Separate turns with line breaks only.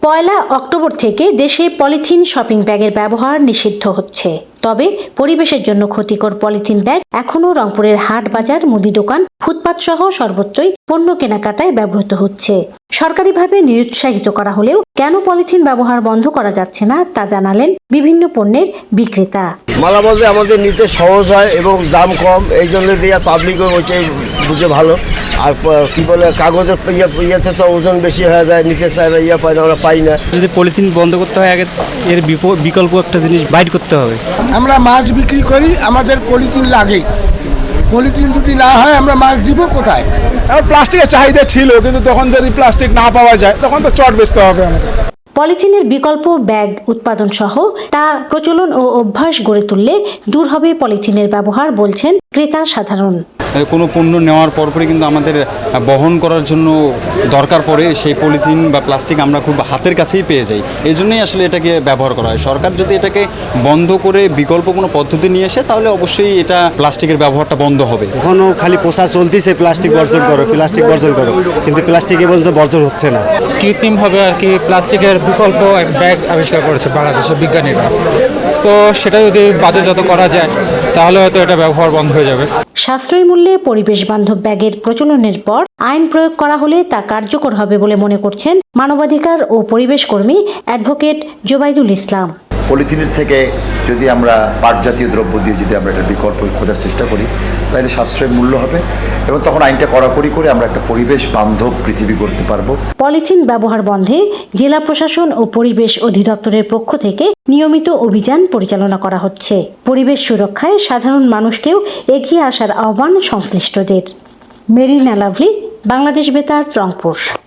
পয়লা October থেকে দেশে polythene shopping ব্যাগের ব্যবহার নিষিদ্ধ হচ্ছে। তবে পরিবেশের জন্য ক্ষতিকর পলিথিন ব্যাগ এখনও রংপুরের হাট বাজার, মুদি দোকান, ফুটপাত সহ সর্বত্রই পণ্য কেনাকাটায় ব্যবহৃত হচ্ছে। সরকারিভাবে নিরুৎসাহিত করা হলেও কেন পলিথিন ব্যবহার বন্ধ করা যাচ্ছে না তা জানালেন বিভিন্ন পণ্যের বিক্রেতা।
মালামাল আমাদের নিতে সহজ হয় এবং দাম কম, এই জন্য দিয়ে পাবলিকও ওইটাই বুঝে ভালো। আর কি বলে কাগজের ইয়েতে তো ওজন বেশি হয়ে যায়, নিতে চায় না, পায় না, আমরা পাই না।
যদি পলিথিন বন্ধ করতে হয় আগে এর বিকল্প একটা জিনিস বাইর করতে হবে।
আমরা মাছ বিক্রি করি, আমাদের পলিথিন লাগে। পলিথিন যদি না হয় আমরা মাছ দিব কোথায়?
প্লাস্টিকের চাহিদা ছিল, কিন্তু তখন যদি প্লাস্টিক না পাওয়া যায় তখন তো চট বেচতে হবে আমাদের।
পলিথিনের বিকল্প ব্যাগ উৎপাদন সহ তা প্রচলন ও অভ্যাস গড়ে তুললে দূর হবে পলিথিনের ব্যবহার, বলছেন ক্রেতা সাধারণ।
কোনো পণ্য নেওয়ার পরপরই কিন্তু আমাদের বহন করার জন্য দরকার পড়ে সেই পলিথিন বা প্লাস্টিক আমরা খুব হাতের কাছেই পেয়ে যাই। এই জন্যই আসলে এটাকে ব্যবহার করা হয়। সরকার যদি এটাকে বন্ধ করে বিকল্প কোনো পদ্ধতি নিয়ে আসে তাহলে অবশ্যই এটা প্লাস্টিকের ব্যবহারটা বন্ধ হবে।
এখনও খালি প্রচার চলতেছে প্লাস্টিক বর্জন করো, প্লাস্টিক বর্জন করো, কিন্তু প্লাস্টিক এ পর্যন্ত বর্জন হচ্ছে না।
কৃত্রিমভাবে আর কি প্লাস্টিকের বিকল্প ব্যাগ আবিষ্কার করেছে বাংলাদেশের বিজ্ঞানীরা। তো সেটা যদি বাজারজাত করা যায় তাহলে হয়তো এটা ব্যবহার বন্ধ হয়ে যাবে।
সাশ্রয়ী মূল্যে পরিবেশ বান্ধব ব্যাগের প্রচলনের পর আইন প্রয়োগ করা হলে তা কার্যকর হবে বলে মনে করছেন মানবাধিকার ও পরিবেশ কর্মী অ্যাডভোকেট জোবাইদুল ইসলাম।
পলিথিনের থেকে যদি আমরা পাট জাতীয় দ্রব্য দিয়ে যদি আমরা একটা বিকল্প খোঁজার চেষ্টা করি তাহলে সাশ্রয়ী মূল্য হবে এবং তখন আইনটা কড়াকড়ি করে আমরা একটা পরিবেশ বান্ধব পৃথিবী করতে পারবো।
পলিথিন ব্যবহার বন্ধে জেলা প্রশাসন ও পরিবেশ অধিদপ্তরের পক্ষ থেকে নিয়মিত অভিযান পরিচালনা করা হচ্ছে। পরিবেশ সুরক্ষায় সাধারণ মানুষকেও এগিয়ে আসার আহ্বান সংশ্লিষ্টদের। মেরিনা লাভলি, বাংলাদেশ বেতার, রংপুর।